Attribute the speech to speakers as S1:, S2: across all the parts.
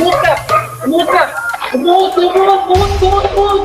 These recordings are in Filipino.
S1: Umuot ka! Umuot ka! Umuot! Umuot! Umuot! Umuot! Umuot!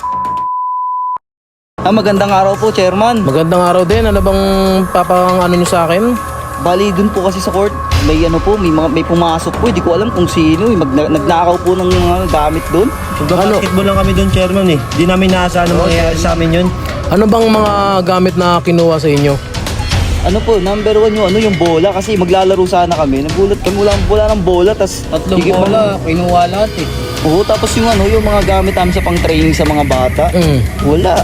S2: Magandang araw po, Chairman.
S3: Magandang araw din. Ano bang papang ano nyo sa akin?
S2: Bali, dun po kasi sa court, may ano po, may pumasok po. Hindi ko alam kung sino. Nagnakaw po ng mga gamit dun.
S4: Basketball lang kami doon, Chairman eh. Di namin naasahan na mangyayari sa amin yun.
S3: Ano bang mga gamit na kinuha sa inyo?
S2: Ano po, number one yung bola. Kasi maglalaro sana kami. Nagulat kami, wala ng bola. Tas,
S5: Tatlong bola, kinuha lahat eh.
S2: Oo, tapos yung mga gamit namin sa pang-training sa mga bata. Wala.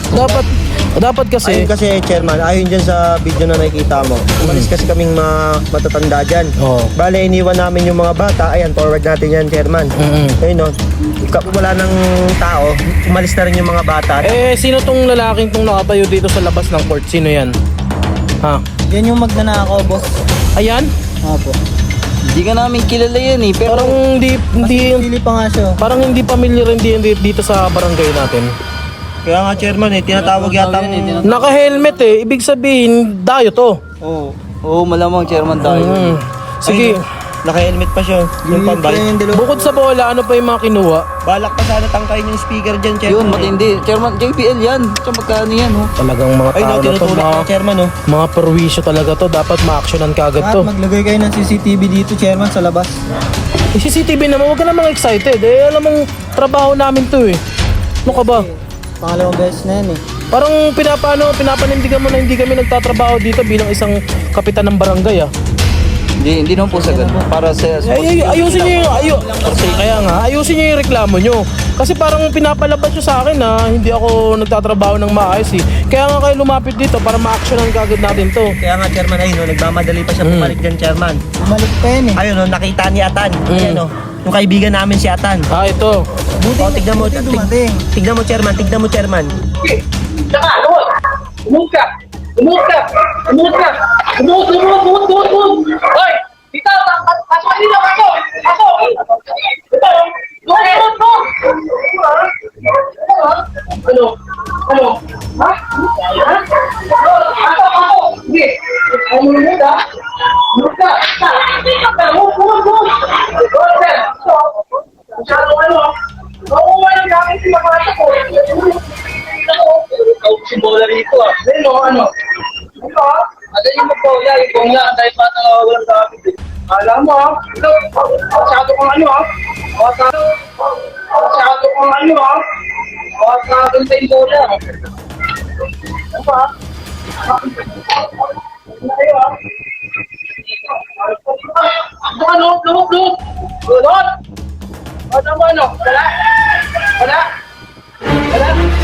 S3: Dapat kasi
S4: Ayun kasi, Chairman, ayon dyan sa video na nakikita mo. Umalis kasi kaming matatanda dyan.
S3: Oo.
S4: Bale, iniwan namin yung mga bata. Ayan, forward natin yan, Chairman. Ayun no, wala ng tao. Umalis na rin yung mga bata.
S3: sino tong lalaking tong nakatayo dito sa labas ng court? Sino yan? Ha?
S5: Yan yung magnanakaw, boss.
S3: Ayan?
S5: Apo.
S2: Hindi ka namin kilala yan eh. Pero
S3: Parang hindi
S5: Pili pa nga siya.
S3: parang hindi familiar din dito sa barangay natin.
S4: Kaya nga, Chairman eh, tinatawag yata
S3: Naka-helmet eh. Ibig sabihin, dayo to.
S2: Oo, malamang, Chairman tayo.
S3: Sige.
S4: Naka-helmet pa siya. Yung pambay.
S3: Bukod sa bola, ano pa yung mga kinuha?
S4: Balak pa sana tangkayin yung speaker dyan, Chairman.
S2: Yun, matindi. Chairman, JPL yan. Tsaka magkano yan, oh.
S3: Talagang mga
S4: Ay,
S3: tao
S4: no,
S3: na to,
S4: tinutulak na, Chairman, oh.
S3: mga perwisyo talaga to. Dapat ma-actionan kagad to.
S5: Maglagay kayo ng CCTV dito, Chairman, sa labas.
S3: CCTV naman, huwag ka namang excited. Alam mong trabaho namin to eh. Ano ka ba?
S5: Pangalawang beses na yan eh.
S3: Parang pinapanindigan mo na hindi kami nagtatrabaho dito bilang isang kapitan ng barangay ah.
S2: Hindi naman po sa ganun. Para sa
S3: Ayusin niyo ayusin niyo yung reklamo niyo. Kasi parang pinapalabas niyo sa akin na hindi ako nagtatrabaho ng maayos eh. Kaya nga kayo lumapit dito para ma-actionan kagad natin to.
S4: Kaya nga, Chairman, ayun, no, nagmamadali pa siya bumalik dyan, Chairman.
S5: Bumalik pa yan eh.
S4: Ayun, no, nakita ni Atan. Ayun, no, yung kaibigan namin si Atan.
S3: Ito.
S4: Tignan mo,
S5: dumating.
S4: tignan mo, Chairman, tignan mo, Chairman.
S1: Tsaka, luot! Umuot ka! Umuot ka! Umuot ka! Umuot! Umuot! Umuot! Umuot! Umuot! Hoy! Dito! Pasok ka dito! Pasok! Pasok! Dito! Luot! Luot! Luot! Ano? Ano? Ha? Ha? Pasok! Pasok! Sige! Ay mo lumot ha? Lumot ka! Umuot! Umuot! Umuot! Luot sir! Masyadong ano ha? Nakuha ng gamit si Mapasa ko! Si bola rito ah. Ano? Ito ah. Ada yung magbola, yung bola. Dahil bata nga walang gamit eh. Alam mo ah. Ito. Masyado kang ano ah. Masyado kang ano ah. Makakaganda yung bola. Ano ba? Ano kayo ah? Ano? Lumot! Ano? Ano? Wala? Wala? Wala?